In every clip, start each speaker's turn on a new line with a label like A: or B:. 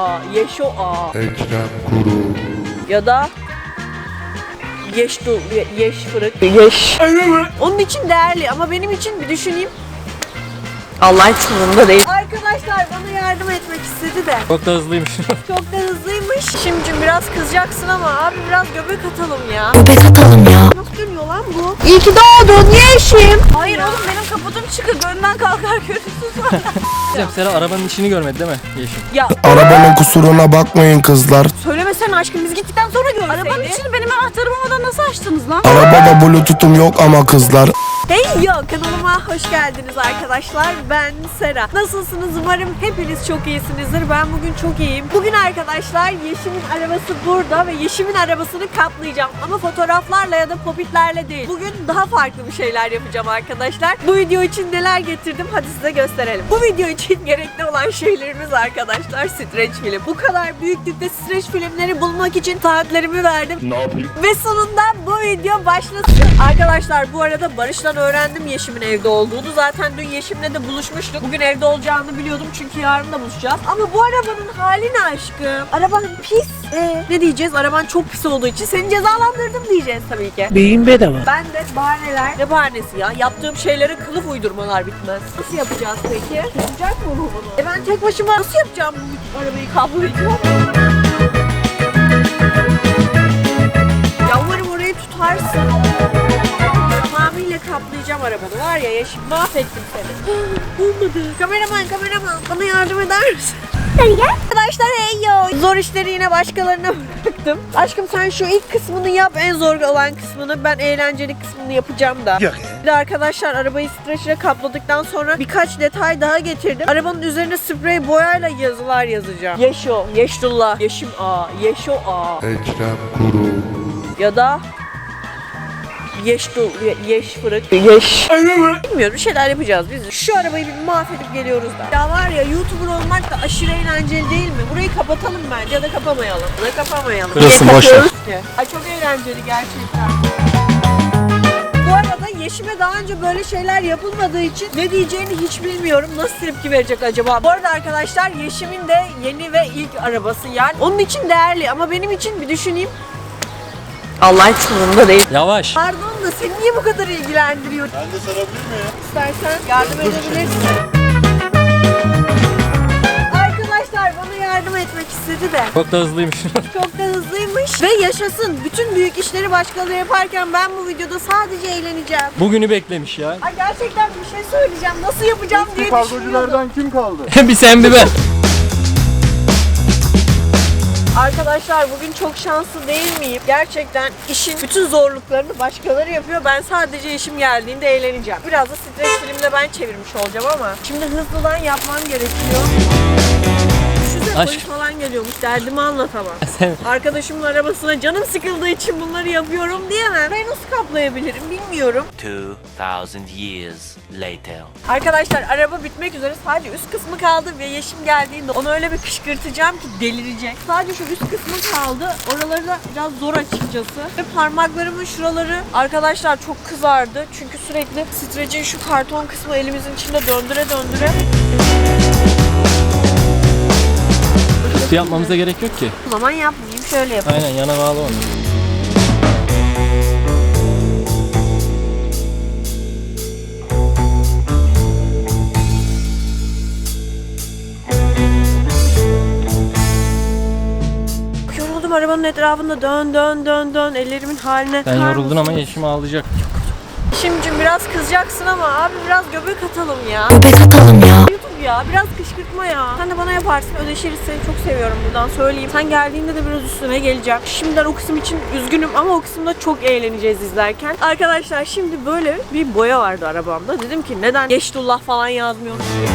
A: Yeşo A.
B: Ekrem Kuru.
A: Ya da Yeş fırık. Yeş. Onun için değerli ama benim için bir düşüneyim. Allah hiç umurumda değil. Arkadaşlar bana yardım etmek istedi de.
C: Çok da hızlıymış.
A: Çok da hızlıymış. Şimdi biraz kızacaksın ama abi biraz göbek atalım ya.
D: Göbek atalım ya.
A: Nasıl dönüyor lan bu? İyi ki doğdun Yeşim. Hayır oğlum benim kaputum çıkık. Önden kalkar görürsünüz var.
C: Sera arabanın içini görmedi değil mi Yeşim?
A: Ya
B: Arabanın kusuruna bakmayın kızlar.
A: söylemesene aşkım biz gittikten sonra görürseydi. Arabanın içini benim anahtarım olmadan nasıl açtınız lan?
B: Arabada bluetooth'um yok ama kızlar.
A: Hey yo kanalıma hoş geldiniz arkadaşlar. Ben Sera. Nasılsınız? Umarım hepiniz çok iyisinizdir. Ben bugün çok iyiyim. Bugün arkadaşlar Yeşim'in arabası burada ve Yeşim'in arabasını kaplayacağım. Ama fotoğraflarla ya da popitlerle değil. Bugün daha farklı bir şeyler yapacağım arkadaşlar. Bu video için neler getirdim hadi size gösterelim. Bu video için gerekli olan şeylerimiz arkadaşlar streç film. Bu kadar büyüklükte streç filmleri bulmak için saatlerimi verdim.
B: Ne yapayım?
A: Ve sonunda bu video başlasın. Arkadaşlar bu arada Barış'tan öğrendim Yeşim'in evde olduğunu. Zaten dün Yeşim'le de buluşmuştuk. Bugün evde olacağını biliyordum çünkü yarın da buluşacağız. Ama bu arabanın hali ne aşkım? Araban pis. Ne diyeceğiz? Araban çok pis olduğu için seni cezalandırdım diyeceğiz tabii ki.
D: Beyin bedava.
A: Ben de bahaneler. Ne bahanesi ya? Yaptığım şeylere kılıf uydurmalar bitmez. Nasıl yapacağız peki? Yapacak mı bu bunu? Ben tek başıma nasıl yapacağım bu arabayı kablolayacağım? Ya umarım orayı tutarsın. Tamamıyla kaplayacağım arabanı. Var ya Yeşim mahvettim seni. Olmadı. Kameraman bana yardım eder misin? Hadi gel. Arkadaşlar hey yo. Zor işleri yine başkalarına bıraktım. Aşkım sen şu ilk kısmını yap. En zor olan kısmını. Ben eğlenceli kısmını yapacağım da.
B: Yok
A: Bir de arkadaşlar arabayı streçle kapladıktan sonra birkaç detay daha getirdim. Arabanın üzerine sprey boyayla yazılar yazacağım. Yeşo, Yeşdullah, Yeşim A, Yeşo A.
B: Ekrem Kuru.
A: Ya da Yeş fırık. Yeş. Bilmiyorum bir şeyler yapacağız biz. Şu arabayı bir mahvedip geliyoruz da. Ya var ya YouTuber olmak da aşırı eğlenceli değil mi? Burayı kapatalım bence ya da kapamayalım. Ya da kapamayalım.
C: Kırılsın,
A: Niye
C: boş ver.
A: kapıyoruz ki? Ay çok eğlenceli gerçekten. Bu arada Yeşim'e daha önce böyle şeyler yapılmadığı için ne diyeceğini hiç bilmiyorum. Nasıl tepki verecek acaba? Bu arada arkadaşlar Yeşim'in de yeni ve ilk arabası yani. Onun için değerli ama benim için bir düşüneyim. Allah hiç umurumda değil.
C: Yavaş.
A: Pardon da seni niye bu kadar ilgilendiriyor?
B: Ben de sarabilir miyim?
A: İstersen yardım edebilirsin. Arkadaşlar bana yardım etmek istedi de.
C: Çok da hızlıymış.
A: Çok da hızlıymış. Ve yaşasın. Bütün büyük işleri başkaları yaparken ben bu videoda sadece eğleneceğim.
C: Bugünü beklemiş ya.
A: Ay gerçekten bir şey söyleyeceğim. Nasıl yapacağım diye düşünüyordum.
B: kim kaldı?
C: Bir sen bir ben.
A: Arkadaşlar bugün çok şanslı değil miyim? Gerçekten işin bütün zorluklarını başkaları yapıyor. Ben sadece işim geldiğinde eğleneceğim. Biraz da stres filmde ben çevirmiş olacağım ama şimdi hızlıdan yapmam gerekiyor. Düşünsene
C: Aşk.
A: polis falan geliyormuş derdimi anlatamam. Arkadaşımın arabasına canım sıkıldığı için bunları yapıyorum diyemem. Ben nasıl kaplayabilirim bilmiyorum.
E: 2000 years later.
A: Arkadaşlar araba bitmek üzere sadece üst kısmı kaldı ve Yeşim geldiğinde onu öyle bir kışkırtacağım ki delirecek. Sadece şu üst kısmı kaldı. Oraları da biraz zor açıkçası. Ve parmaklarımın şuraları arkadaşlar çok kızardı. Çünkü sürekli strecin şu karton kısmı elimizin içinde döndüre döndüre.
C: Su yapmamıza gerek yok ki.
A: O zaman yapmayayım şöyle yapayım.
C: Aynen yana bağlı onu.
A: Yoruldum arabanın etrafında dön ellerimin haline.
C: Sen
A: bakar
C: yoruldun ama
A: mısınız?
C: Yeşim ağlayacak.
A: Yeşim'cim biraz kızacaksın ama abi biraz göbek atalım ya.
D: Göbek atalım ya.
A: YouTube ya biraz kışkırtma ya. Sen de bana yaparsın ödeşiriz seni çok seviyorum buradan söyleyeyim. Sen geldiğinde de biraz üstüne geleceğim. Şimdiden o kısım için üzgünüm ama o kısımda çok eğleneceğiz izlerken. Arkadaşlar şimdi böyle bir boya vardı arabamda. Dedim ki neden Yeşdullah falan yazmıyoruz diye.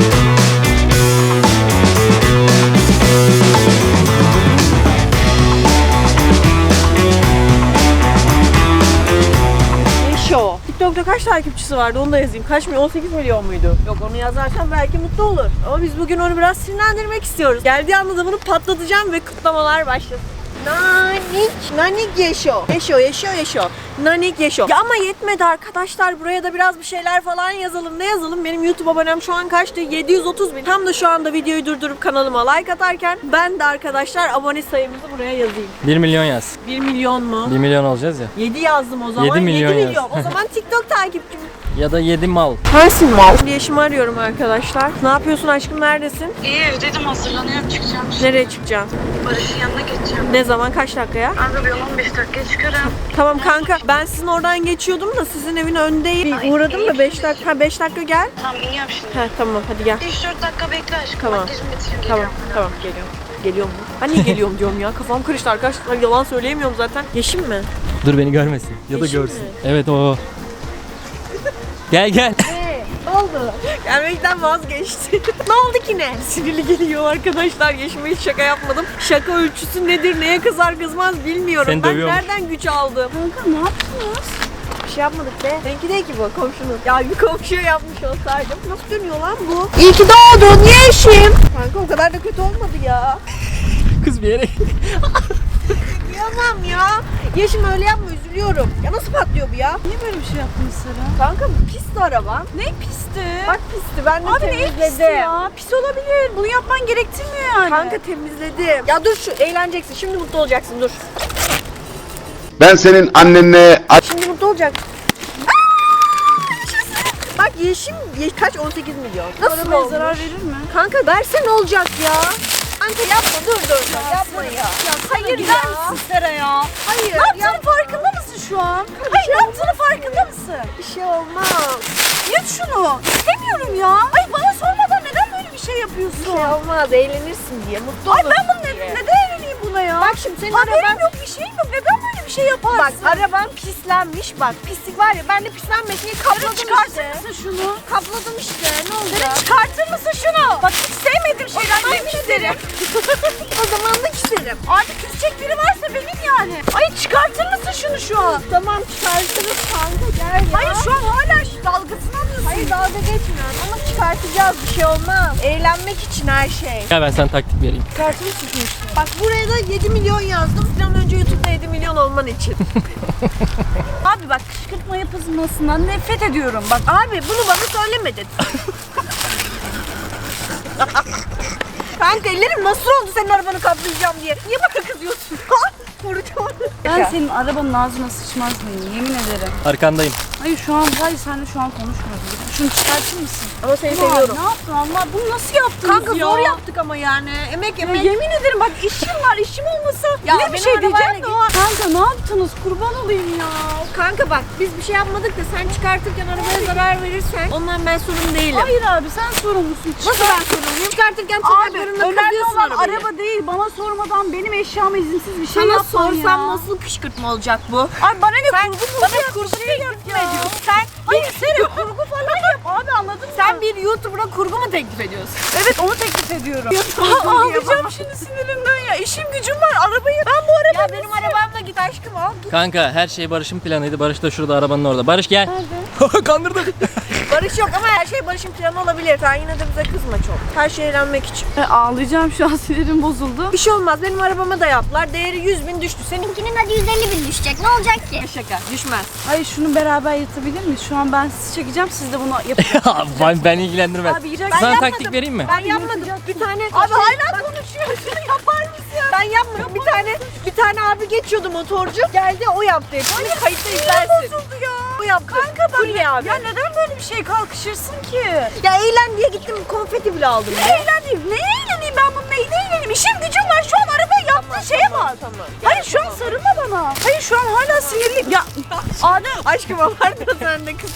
A: Yeşo. TikTok'ta kaç takipçisi vardı onu da yazayım. Kaç milyon? 18 milyon muydu? Yok onu yazarsan belki mutlu olur. Ama biz bugün onu biraz sinirlendirmek istiyoruz. Geldiği anda da bunu patlatacağım ve kutlamalar başlasın. Nanik Yeşo. Yeşo. Nanik Yeşo. Ya ama yetmedi arkadaşlar. Buraya da biraz bir şeyler falan yazalım. Ne yazalım? Benim YouTube abonem şu an kaçtı? 730 bin. Tam da şu anda videoyu durdurup kanalıma like atarken ben de arkadaşlar abone sayımızı buraya yazayım.
C: 1 milyon yaz.
A: 1 milyon mu?
C: 1 milyon olacağız ya.
A: 7 yazdım o zaman.
C: 7 milyon yaz.
A: O zaman TikTok takipçim.
C: Ya da 7 mal.
A: Sensin mal. Şimdi Yeşim'i arıyorum arkadaşlar. Ne yapıyorsun aşkım? Neredesin?
D: İyi evdeydim, hazırlanıyorum, çıkacağım.
A: Nereye çıkacaksın?
D: Barış'ın yanına geçeceğim.
A: Ne zaman? Kaç dakikaya?
D: Kanka bir 15 dakikaya çıkarım.
A: Tamam kanka. Ben sizin oradan geçiyordum da sizin evin önündeyim. Bir uğradım da 5 dakika. Ha 5 dakika gel.
D: Tamam iniyorum şimdi.
A: Ha tamam hadi gel.
D: 3-4 dakika bekle aşkım.
A: Tamam.
D: Makyajımı bitireyim,
A: Tamam
D: geliyorum.
A: tamam geliyorum. Geliyorum mu? Ben niye geliyorum diyorum ya. Kafam karıştı arkadaşlar. Yalan söyleyemiyorum zaten. Yeşim mi?
C: Dur beni görmesin. Ya da
A: Yeşil
C: görsün.
A: mi?
C: Evet o. Gel gel.
A: Ne oldu? Gelmekten vazgeçti. Ne oldu ki ne? Sinirli geliyor arkadaşlar. Yeşim'e hiç şaka yapmadım. Şaka ölçüsü nedir? Neye kızar kızmaz bilmiyorum.
C: Seni
A: Ben
C: dövüyormuş.
A: nereden güç aldım?
D: Kanka ne yaptınız?
A: Bir şey yapmadık be. Seninki değil ki bu komşunun. Ya bir komşuya yapmış olsaydım. Nasıl dönüyor lan bu? İyi ki doğdun Yeşim. Kanka o kadar da kötü olmadı ya.
C: Kız bir yere.
A: Yapamam ya. Yeşim öyle yapma üzülüyorum. Ya nasıl patlıyor bu ya?
D: Niye böyle bir şey yaptın Sera?
A: Kanka pisti araba.
D: Ne pisti?
A: Bak pisti ben de
D: Abi ne
A: temizledim.
D: pisti ya? Pis olabilir. Bunu yapman gerektirmiyor yani.
A: Kanka temizledim. Ya dur şu eğleneceksin. Şimdi mutlu olacaksın dur.
F: Ben senin annenle
A: Şimdi mutlu olacaksın. Bak Yeşim kaç 18 milyon. Nasıl
D: arabaya
A: olmuş?
D: zarar verir mi?
A: Kanka verse ne olacak ya? Kanka yapma dur yapma ya.
D: Hayır
A: ya.
D: der misin Sera ya?
A: Hayır.
D: Ne yaptığının
A: yapma.
D: farkında mısın şu an? Hayır ne yaptığının farkında mısın?
A: Bir şey olmaz.
D: Yut şunu. İstemiyorum ya. Ay bana sormadan neden böyle bir şey
A: Bir
D: yapıyorsun?
A: şey olmaz eğlenirsin diye mutlu
D: Ay
A: olursun
D: ben bunu
A: diye.
D: neden evleneyim buna ya?
A: Bak şimdi senin
D: Haberim
A: araban...
D: yok, bir şeyim yok. Neden böyle bir şey yaparsın?
A: Bak araban pislenmiş bak pislik var ya ben de pislenmesin diye kapladım
D: çıkartır
A: işte.
D: mısın şunu?
A: Kapladım işte ne oldu?
D: Sera çıkartır mısın şunu? Bak hiç sevmediğim şeyler
A: zaman
D: yemin ederim.
A: O zaman da küserim.
D: Artık küsecek biri varsa benim yani. Ay çıkartır mısın şunu şu an?
A: Tamam çıkartırız kanka gel ya.
D: Hayır şu an hala şu dalgasını alıyorsun.
A: Hayır dalga geçmiyorum ama çıkartacağız bir şey olmaz. Eğlenmek için her şey.
C: Gel ben sana taktik vereyim.
D: Çıkartır mısın şunu işte?
A: Bak buraya da 7 milyon yazdım. Bir an önce YouTube'da 7 milyon olman için.
D: Abi bak kışkırtma yapılmasından nefret ediyorum. Bak
A: Abi bunu bana söylemedin. Kanka ellerim nasıl oldu senin arabanı kaplayacağım diye. Niye bana kızıyorsun? Vuracağım.
D: ben senin arabanın ağzına sıçmaz mıyım yemin ederim.
C: Arkandayım.
D: Hayır şu an seninle şu an konuşmuyoruz. Şunu çıkartır mısın?
A: Ama seni
D: Ulan,
A: seviyorum.
D: Ne yaptın Allah? Bunu nasıl yaptınız
A: Kanka
D: ya?
A: zor yaptık ama yani. Emek
D: Ya
A: emek.
D: yemin ederim bak işim var, işim olmasa
A: Ya
D: yine bir
A: benim
D: şey
A: arabayla
D: diyeceğim de o an. Kanka ne yaptınız? Kurban olayım ya.
A: Kanka bak biz bir şey yapmadık da sen çıkartırken arabaya zarar verirsen ondan ben sorumlu değilim.
D: Hayır abi sen sorumlusun.
A: Nasıl ben sorumluyum? Çıkartırken
D: Abi
A: tırnaklarınla
D: önemli
A: kırıyorsun
D: olan
A: arabayı.
D: araba değil. Bana sormadan benim eşyama izinsiz bir şey
A: Sana
D: yapman
A: sorsam
D: ya.
A: nasıl kışkırtma olacak bu?
D: Ay bana ne
A: Sen
D: kurgu mu?
A: bana kurgu teklif mi ediyorsun? Sen
D: Hayır senin kurgu falan yap abi anladın mı?
A: sen bir YouTuber'a kurgu mu teklif ediyorsun?
D: Evet onu teklif ediyorum.
A: kurgu
D: Ağlayacağım şimdi sinirimden ya. İşim gücüm var arabayı. Ben bu arabayı
A: Ya benim arabamla git aşkım al.
C: Kanka her şey Barış'ın planıydı. Barış da şurada arabanın orada. Barış gel. Kandırdım.
A: Barış yok ama her şey Barış'ın planı olabilir. Sen yine de bize kızma çok. Her şey eğlenmek için.
D: Ağlayacağım şu an sinirim bozuldu.
A: Bir şey olmaz benim arabama da yaptılar. Değeri 100 bin düştü. Seninkinin
G: Hadi 150 bin düşecek. Ne olacak ki?
A: şaka düşmez.
D: Hayır şunu beraber yatabilir miyiz? Şu an ben sizi çekeceğim siz de bunu yapın.
C: ben ilgilendirmez.
D: Abi yiyecek.
C: Sana
A: yapmadım.
C: taktik vereyim mi?
A: Ben yapmadım. Bir tane
D: Abi hala konuşuyorsun yapar mısın?
A: ben yapmadım. Bir tane abi geçiyordu motorcu. Geldi o yaptı. Hani kayıtta izlersin.
D: Bozuldu ya.
A: O yaptı.
D: Kanka ben
A: Fulya abi.
D: ya neden böyle bir şey kalkışırsın ki?
A: Ya eğlen diye gittim konfeti bile aldım.
D: Ne eğleneyim? Ne eğleneyim ben bunun neyine eğleneyim? İşim gücüm var şu an arabayı yaptığın şeye bak.
A: Tamam.
D: Hayır şu an sarılma bana. Hayır şu an hala sinirliyim. Ya Adem
A: Aşkım abartma sen de kız.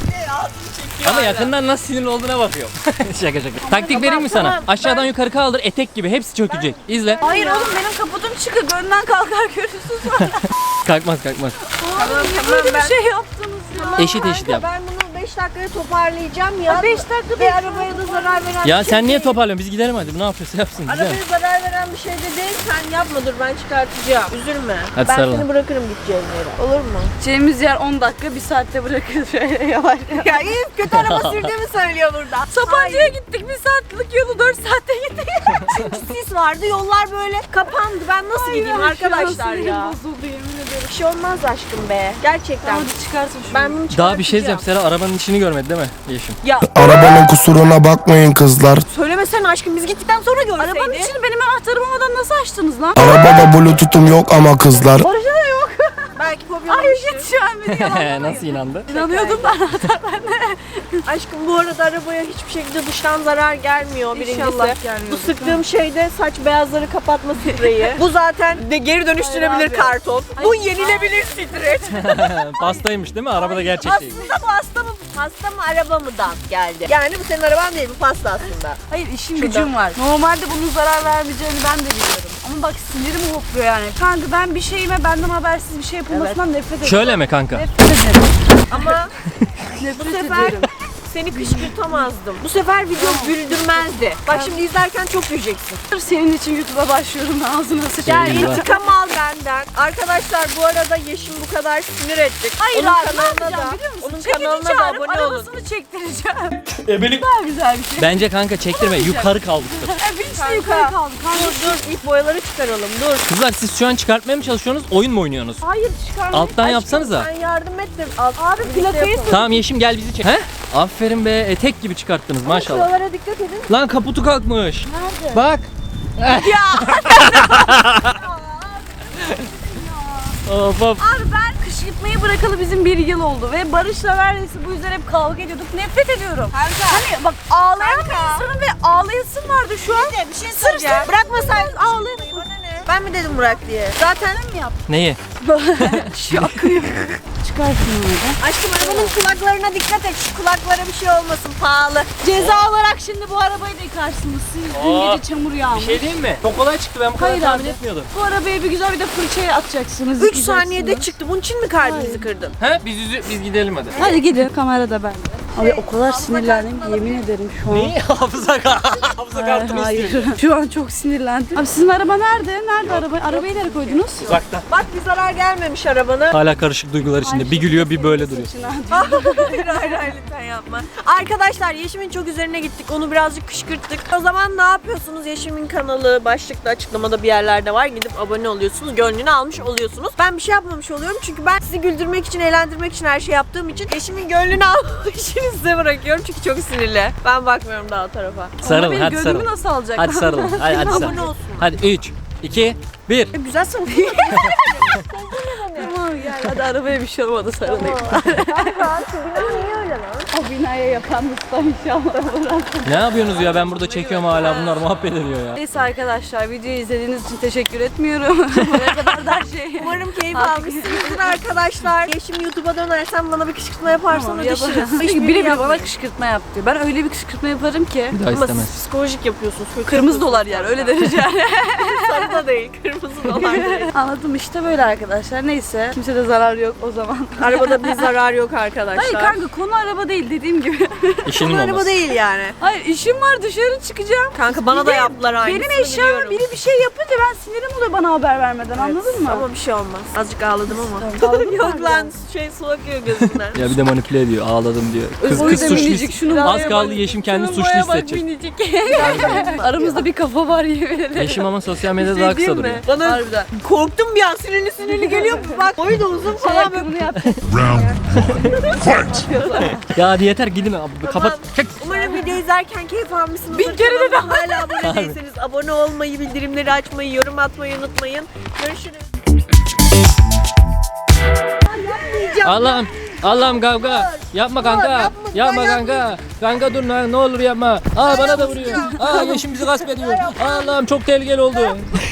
C: Ama yakından nasıl sinirli olduğuna bakıyorum. şaka şaka. Taktik vereyim mi sana?
A: tamam.
C: Aşağıdan yukarı kaldır etek gibi hepsi çökecek. İzle.
D: hayır oğlum benim kaputum çıkık önden kalkar görürsünüz var.
C: Kalkmaz kalkmaz.
A: Tamam
D: Böyle bir
A: ben.
D: şey yaptınız ya.
C: Eşit eşit yap.
A: Ben bunu 5 dakikaya toparlayacağım ya.
D: 5 dakika
A: Ve arabaya da zarar veren
C: Ya
A: bir şey
C: sen niye
A: değil.
C: toparlıyorsun? Biz gidelim hadi. Bu ne yapıyorsa yapsın. Güzel.
A: Arabaya zarar veren bir şey de değil. Sen yapma dur ben çıkartacağım. Üzülme.
C: Hadi
A: ben
C: sarılın.
A: seni bırakırım gideceğin yere. Olur mu?
D: Gideceğimiz yer 10 dakika 1 saatte bırakırız şöyle yavaş yavaş.
A: Ya iyi kötü araba sürdüğümü söylüyor burada.
D: Sapanca'ya gittik 1 saatlik yolu 4 saatte gittik.
A: Çünkü sis vardı. Yollar böyle kapandı. Ben nasıl gideyim arkadaşlar ya?
D: Bozuldu yemin ederim.
A: Bir şey olmaz aşkım be. Gerçekten.
D: Hadi çıkarsın şunu.
A: Ben bunu
C: Daha bir şey
A: çıkartacağım.
C: diyeceğim. Sera arabanın içini görmedi değil mi Yeşim?
A: Ya
B: Arabanın kusuruna bakmayın kızlar.
A: söylemesene aşkım, biz gittikten sonra görseydi.
D: Arabanın içini benim anahtarım olmadan nasıl açtınız lan?
B: Arabada bluetooth'um yok ama kızlar.
D: Barış'a da yok.
A: Belki
D: Ay
A: kopyalamıştır.
D: git şu an beni yalanlamayın.
C: Nasıl inandı?
D: İnanıyordum ben.
A: Aşkım bu arada arabaya hiçbir şekilde dıştan zarar gelmiyor birincisi.
D: İnşallah gelmiyordur.
A: Bu sıktığım şey de saç beyazları kapatma spreyi. Bu zaten de geri dönüştürebilir
D: Hayır abi.
A: karton. Bu yenilebilir streç.
C: Pastaymış değil mi? Arabada gerçek değil.
A: Aslında bu pasta mı araba mıdan geldi? Yani bu senin araban değil, bu pasta aslında.
D: Hayır işim
A: Şurada.
D: gücüm var. Normalde bunun zarar vermeyeceğini ben de biliyorum. Ama bak sinirim hopluyor yani. Kanka ben bir şeyime benden habersiz bir şey yapılmasından nefret ediyorum.
C: Şöyle mi kanka?
D: Nefret ederim.
A: Ama bu
D: Nefret
A: sefer
D: ederim.
A: seni kışkırtamazdım. Bu sefer video güldürmezdi. Bak şimdi izlerken çok güleceksin.
D: Sırf senin için YouTube'a başlıyorum ağzına sıçayım.
A: Gel
C: Eyvah.
A: intikam al benden. Arkadaşlar bu arada Yeşim bu kadar sinir ettik.
D: Hayır
A: Onun
D: abi ne
A: kanalına
D: yapacağım
A: da,
D: biliyor musun?
A: onun
D: Çekici
A: kanalına da
D: çağırıp
A: abone olun.
D: arabasını çektireceğim.
C: Ebelik.
D: Daha güzel bir şey.
C: Bence kanka çektirme. Yukarı kaldıktır.
D: Vinçle yukarı kaldı.
A: Dur ilk boyaları çıkaralım dur.
C: Kızlar siz şu an çıkartmaya mı çalışıyorsunuz? Oyun mu oynuyorsunuz?
D: Hayır çıkarmayın.
C: Alttan yapsanıza.
A: Sen yardım et de alt,
D: Abi
A: birlikte
D: plakayı
A: yapalım.
C: Tamam Yeşim gel bizi çek. He? Aferin be. Etek gibi çıkarttınız maşallah.
A: Şuralara dikkat edin.
C: Lan kaputu kalkmış. Nerede? Bak. Of of.
D: Abi ben kışkırtmayı bırakalı bizim 1 yıl oldu ve Barış'la neredeyse bu yüzden hep kavga ediyorduk. Nefret ediyorum. Hani bak ağlayan bir insanım ve ağlayasım vardı şu an.
A: Bir şey söyleyeceğim. Bırakmasaydın ağlayıp. Ben mi dedim bırak diye? Zaten
D: mi yaptın?
C: Neyi?
D: Çıkarsın orada.
A: aşkım arabanın kulaklarına dikkat et. Şu kulaklara bir şey olmasın, pahalı.
D: Ceza olarak şimdi bu arabayı da yıkarsınız. Siz dün
C: Aa,
D: gece çamur yağmış.
C: Bir şey diyeyim mi? Çok kolay çıktı, ben bu kadar
D: Hayır
C: tahmin
D: abi.
C: etmiyordum.
D: Bu arabaya bir güzel bir de fırçaya atacaksınız.
A: 3
D: yıkayacaksınız.
A: saniyede çıktı. Bunun için mi kalbinizi kırdın?
C: He? Biz gidelim hadi.
D: Hadi gidin. Kamerada bende. Abi o kadar sinirlendim ki yemin ederim şu an.
C: Neyi? Hafıza kartını
D: Hayır.
C: istiyorum.
D: Şu an çok sinirlendim. Abi sizin araba nerede? Nerede araba? Arabayı nereye koydunuz?
C: Uzakta.
A: Bak bir zarar gelmemiş arabana.
C: Hala karışık duygular içinde. Bir gülüyor bir böyle duruyor.
A: Hayır lütfen yapma. Arkadaşlar Yeşim'in çok üzerine gittik. Onu birazcık kışkırttık. O zaman ne yapıyorsunuz? Yeşim'in kanalı başlıkta açıklamada bir yerlerde var. Gidip abone oluyorsunuz. Gönlünü almış oluyorsunuz. Ben bir şey yapmamış oluyorum. Çünkü ben sizi güldürmek için, eğlendirmek için her şey yaptığım için Yeşim'in gönlünü almak için size bırakıyorum. Çünkü çok sinirli. Ben bakmıyorum daha o tarafa.
C: Sarılın
D: Benim
C: hadi
D: gönlümü
C: sarılın.
D: nasıl alacak?
C: Hadi sarılın. Hadi
A: Abone
C: sarılın.
A: olsun.
C: Hadi 3, 2, 1.
A: Güzel sarılın.
D: Tamam gel hadi arabaya bir şey olmadı sarılayım.
A: Niye öyle lan?
D: O binaya yapan usta inşallah.
C: Ne yapıyorsunuz ya? Ben burada çekiyorum hala bunlar muhabbet ediyor ya.
D: Neyse arkadaşlar videoyu izlediğiniz için teşekkür etmiyorum. Buraya kadar da her şey.
A: Umarım keyif
D: Artık-
A: almışsınızdır arkadaşlar. Yeşim YouTube'a dönersen bana bir kışkırtma yaparsan
D: Tamam,
A: ödeşiriz.
D: yaparım.
A: Hiçbirini
D: Çünkü biri bana
A: yapmayın.
D: kışkırtma yap diyor. Ben öyle bir kışkırtma yaparım ki.
C: Bir daha
A: Ama
C: istemez.
A: siz psikolojik yapıyorsunuz.
D: Kırmızı dolar yer öyle derece yani.
A: Sarı da değil, kırmızı dolar değil.
D: Anladım işte böyle arkadaşlar. Neyse. Kimse de zarar yok o zaman.
A: Arabada bir zarar yok arkadaşlar.
D: Hayır kanka konu araba değil dediğim gibi.
C: İşinin
A: Bu araba
C: olması.
A: değil yani.
D: Hayır işim var dışarı çıkacağım.
A: Kanka bana da yaptılar aynısını
D: Benim eşyama
A: biliyorum.
D: biri bir şey yapınca ben sinirim oluyor bana haber vermeden anladın mı?
A: Ama bir şey olmaz. Azıcık ağladım ama.
D: Ağladın mı
A: Yok
D: abi?
A: lan su akıyor gözümden.
C: Ya bir de manipüle ediyor. Ağladım diyor. Kız
D: Boyu da
C: suçlu.
D: minicik, şunun
C: Az
D: boya
C: kaldı
D: bak.
C: Yeşim kendi
D: Şunun
C: suçlu
D: boya bak,
C: hissedecek.
D: minicik. Aramızda bir kafa var yemin ederim.
C: Yeşim ama sosyal medyada daha kısa
A: Değil
C: duruyor.
A: mi? Bana
D: Harbiden.
A: korktum bir an, sinirli geliyor. Bak boyu da uzun falan böyle.
D: Bunu yap.
C: Ya hadi yeter gidin abi. Kapat. Çek.
A: Umarım video izlerken keyif almışsınızdır.
D: Bin kere de
A: Kanalıma hala abone değilseniz abone olmayı, bildirimleri açmayı, yorum atmayı unutmayın. Görüşürüz.
C: Allah'ım. Allah'ım kavga. Yapma kanka. Yapma kanka. Kanka dur lan ne olur yapma. Aa bana da vuruyor. Aa Yeşim bizi gasp ediyor. Allah'ım çok tehlikeli oldu.